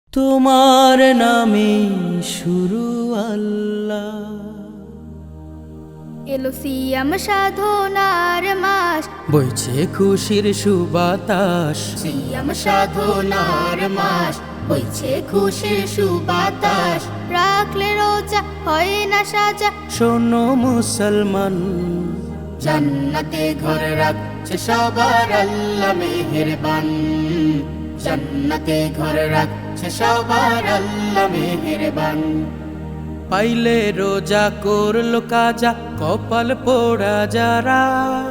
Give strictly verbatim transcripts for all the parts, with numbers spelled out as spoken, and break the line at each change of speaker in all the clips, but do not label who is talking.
তোমার নামে শুরু আল্লাহ।
এলো সিয়াম সাধনার মাস,
বইছে খুশির সুবাতাস।
সিয়াম সাধনার মাস, বইছে খুশির সুবাতাস।
রাখলে রোজা হয় না সাজা,
শোনো মুসলমান,
জান্নাতে ঘর রাখছে সবার আল্লাহ মেহেরবান। জান্নাতে ঘর রাখছে সবার আল্লাহ মেহেরবান।
পাইলে রোজা করলো কাজা, কপাল পোড়া যারা।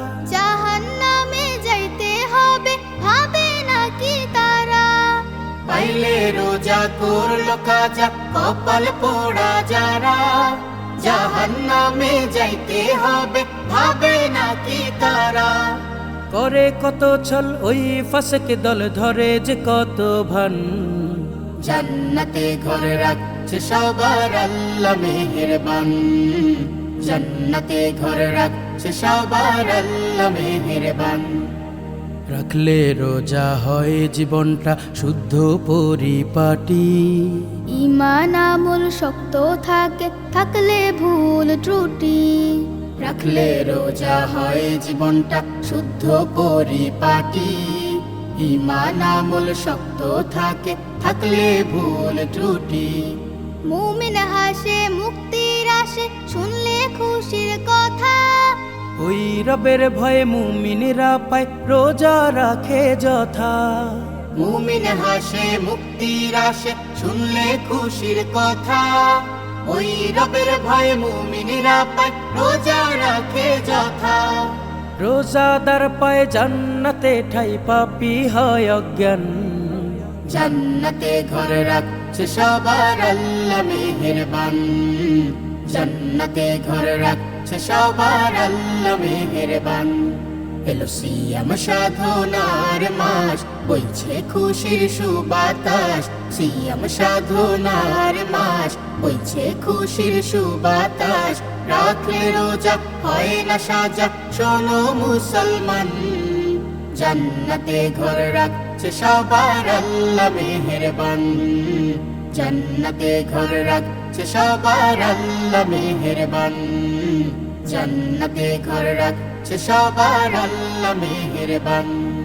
জাহান্নামে যাইতে হবে ভাবে নাকি তারা।
পাইলে রোজা করলো কাজা, কপাল পোড়া যারা। জাহান্নামে যাইতে হবে ভাবে নাকি তারা।
করে কত ছল ওই ফাসকে দল, ধরে যে কত ভান।
জান্নাতে ঘর রাখছে সবার আল্লাহ মেহেরবান। জান্নাতে ঘর রাখছে সবার আল্লাহ মেহেরবান।
রাখলে রোজা হয় জীবনটা শুদ্ধ পরিপাটি।
ঈমান আমল শক্ত থাকে, থাকলে ভুল ত্রুটি।
রাখলে রোজা হয় জীবনটা শুদ্ধ পরিপাটি। ঈমান আমল শক্ত থাকে, থাকলে ভুল ত্রুটি।
মুমিন হাসে মুক্তির আসে, শুনলে খুশির কথা।
ওই রবের ভয়ে মুমিনেরা পায় রোজা রাখে যথা।
মুমিন হাসে মুক্তির আসে, শুনলে খুশির কথা। ওই রবের ভয়ে মুমিনেরা পায় রোজা রাখে যথা।
রোজাদার পায় জান্নাতে ঠাই, পাপী হয় অজ্ঞান।
জান্নাতে ঘর রাখছে সবার আল্লাহ মেহেরবান। জান্নাতে ঘর রাখছে সবার আল্লাহ মেহেরবান। এলো সিয়াম সাধনার মাস, বইছে খুশির সুবাতাস। সিয়াম সাধনার মাস, বইছে খুশির সুবাতাস। রাখলে রোজা হয় না সাজা, শোনো মুসলমান। জান্নাতে ঘর রাখছে সবার আল্লাহ মেহেরবান। জান্নাতে ঘর রাখছে সবার আল্লাহ মেহেরবান। জান্নাতে ঘর রাখছে সবার আল্লাহ মেহেরবান।